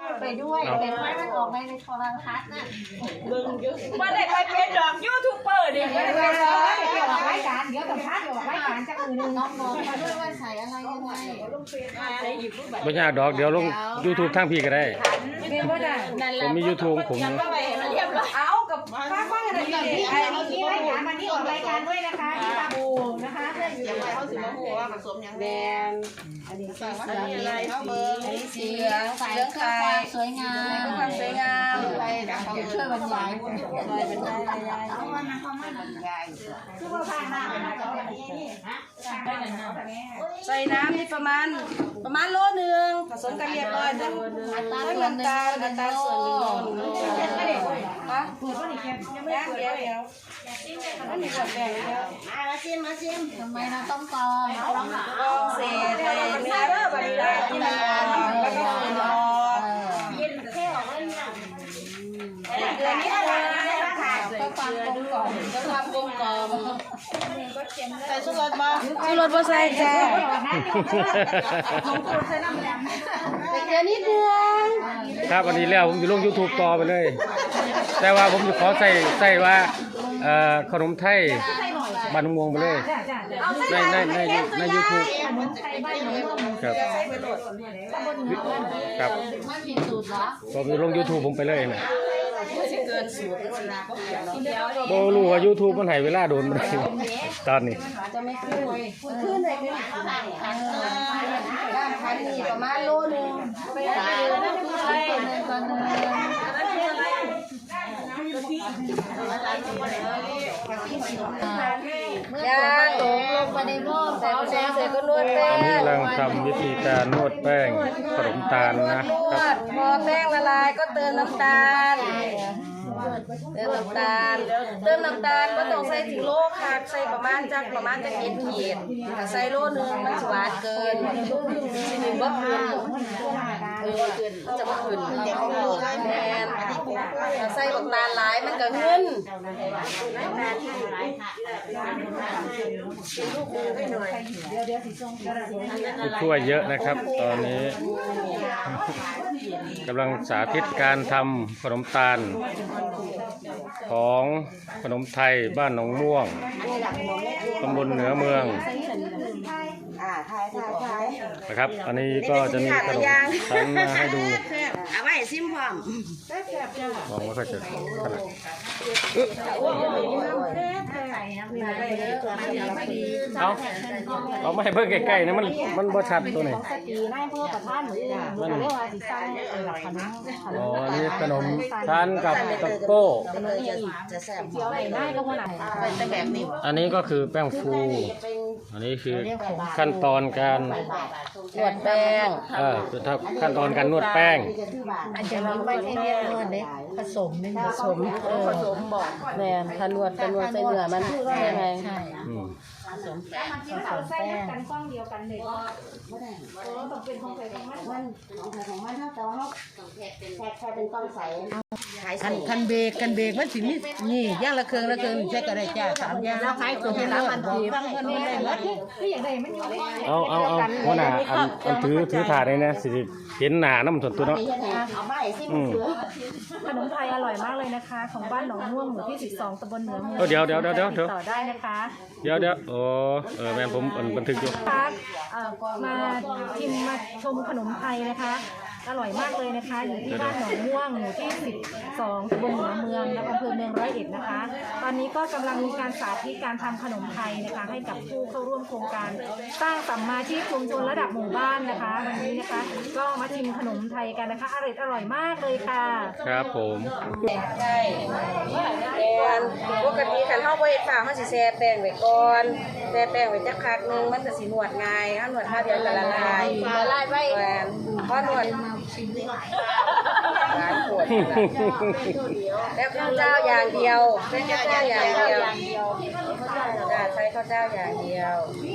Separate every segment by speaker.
Speaker 1: ไปด้วยเป็นไม้มันออกในโทรทัศน์น่ะ
Speaker 2: มาได้ไปเป็นดอกยูทูบเบอร์ดิไม่ได้เป็นดอก
Speaker 1: เดี๋ยวออกรายการเดี๋ยวกับพัดเดี๋ยวออกรายการจากมือนึงน้องๆมาด้วยว่าใส่อะไรยังไง
Speaker 3: ไม่ยากดอกเดี๋ยวลง YouTube ทางพี่ก็ได้ผมมี YouTube ผม
Speaker 2: เอากับข้างๆอะไรนี่
Speaker 1: ไอ้นี่รายการมันนี่ออกรายการด้วยนะคะที่ตาบูนะคะ
Speaker 2: เขาสิมาหัวผสมอย่างแดง
Speaker 1: อันนี้สี
Speaker 2: อะไรเขาเบอร์
Speaker 1: สีเหลืองใส่เรื่องความสวยงาม
Speaker 2: ความสวยงาม
Speaker 1: ช่วยบรรยาย
Speaker 2: ช่วยบรรยาย
Speaker 1: เอาวันนั้นเขาไม่บรรยายคือว่าผ่านหน้าไปนะจะเป็นนี่นะ
Speaker 2: ใส่น้ำนี่ประมาณโลนึงผสมกันเรียบร้อยทั้งน้ำตาลส่วนหนึ่งฮะเปิดว่านี่แกยังไม่เปิดเดี๋ยวอันนี้แบบแบ่งแล้ว
Speaker 1: มาชิมทำไมเราต้องกรอง
Speaker 2: เศษอะไรเนื้อแบบนี้ได้ที่มันแล้วก็เกลือ
Speaker 1: เย็นแค่ออกเลยเนี่ย
Speaker 2: เกลือนิดนึง
Speaker 1: ก็ความกลมกล่อมก็ความกลมกล่อม
Speaker 2: ใส่ชูรสบ่ใส่จ้า
Speaker 1: ของคุณใส่น้ำแดง
Speaker 2: เกลือนิดนึง
Speaker 3: ครับวันนี้แล้วผมจะลง YouTube ต่อไปเลยแต่ว่าผมจะขอใส่ว่าขนมไทยบ้านม่วงไปเลยใน YouTube ครับครับผมจะลง YouTube ผมไปเลยนะโบรู้ว่า YouTube มันให้เวลาโดนมันตอนนี้
Speaker 2: จะไม่ขึ้นเลยไม่ด้านคันนี่ประมาณโลนึงไป
Speaker 1: ยาตกลงไปในหม้อใส่แป้งใส่ก็นวดแป้ง
Speaker 3: อันนี้กำลังทำวิธีการนวดแป้งขนมตาลนะครับ
Speaker 2: พอแป้งละลายก็เติมน้ำตาลก็ต้องใส่ถึงโลค่ะใส่ประมาณจักเอ็ดขีดใส่โลนึงมันหวานเกินสิหนึ่งบ่คืนจะบ่คืนแม่นใส่น้ำตาลหลายมันก็เงิน
Speaker 3: ช่วยเยอะนะครับตอนนี้กำลังสาธิตการทำขนมตาลของขนมไทยบ้านหนองม่วงตำบลเหนือเมืองนะครับอันนี้ก็จะมีขนมชั้นมาให้ดู
Speaker 2: เอาไว้ซิมพร้อม
Speaker 3: มองว่าเขาจะขนาดเอาไม่ให้เบิ่งใกล้ๆนะมันบ่ชัดตัวนี้อ๋อนี่ขนมทานกับตะโก้อันนี้ก็คือแป้งฟูอันนี้คือขั้นตอนการ
Speaker 2: นวดแป้ง
Speaker 3: ขั้นตอนการนวดแป้ง
Speaker 1: อันจะมีไว้ให้เรียนนวดเลยผสม
Speaker 2: บอกแม่ถ้านวดใส่เนื้อมันใช่ไหมใช่
Speaker 1: ผสมแป้งใส่กันกล้องเดียวกันเลยก็ต้องเป็นของใครของมันถ้าแต่ว่าแค่เป็นกล้องใส
Speaker 2: คันเบรกมันสินี่ย่างละเครื่องใช้ก็ได้จ้า3อย่าง
Speaker 1: แล้วขายตัวละมันทีบางคนมันได้หมดคืออย่างไรมันอยู่
Speaker 3: เอาหัวหน้าอันถือถาดเลยนะสิเห็นหน้าน้ำส่วนตัวเนาะ
Speaker 1: ขนมไทยอร่อยมากเลยนะคะของบ้านหนองม่วงหมู่ที่12ตำบลเหนือเมือง
Speaker 3: เดี๋ยว
Speaker 1: ต่อได้นะคะ
Speaker 3: เดี๋ยวโอ้แม่ผมบันทึกอยู่
Speaker 1: มาชิมมาชมขนมไทยนะคะอร่อยมากเลยนะคะอยู่ที่บ้านหนองม่วงหมู่ที่12ตำบลเหนือเมืองและอำเภอเมืองร้อยเอ็ดนะคะตอนนี้ก็กำลังมีการสาธิตการทำขนมไทยนะคะให้กับผู้เข้าร่วมโครงการสร้างสัมมาชีพชุมชนระดับหมู่บ้านนะคะวันนี้นะคะก็มาชิมขนมไทยกันนะคะอร่อยมากเลยค่ะ
Speaker 3: ครับผม
Speaker 2: ใช่ปกติคันเฮาบ่เฮ็ดฝาเฮาสิแช่แป้งไว้ก่อนแช่แป้งไว้จักพักนึงมันก็สินวดง่ายเฮานวดเดียวก็ละลายไว้พอนวดร้านปวดแล้วข้าวเจ้าอย่างเดียวใช้ข้าวเจ้าอย่างเดียวใช้ข้าวเจ้าอย่างเดียว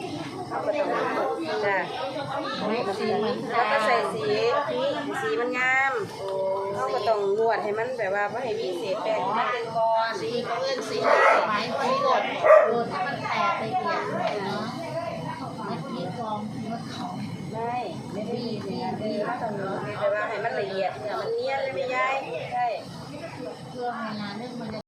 Speaker 2: จ้ะแล้วก็ใส่สีมันงามเขาก็ต้องนวดให้มันแบบว่าไม่ให้มีเศษแป้งมันเป็นก้อนสีก็เลื่อนสีไม้ไม่หดให้มันแตกไปเปลี่ยนเนาะมีกองรถของแล้ช่ดีมากตรงนี้แต่ว่าให้มันละเอียดเนื้อมันเนียนเลยไม่ย้ายใช่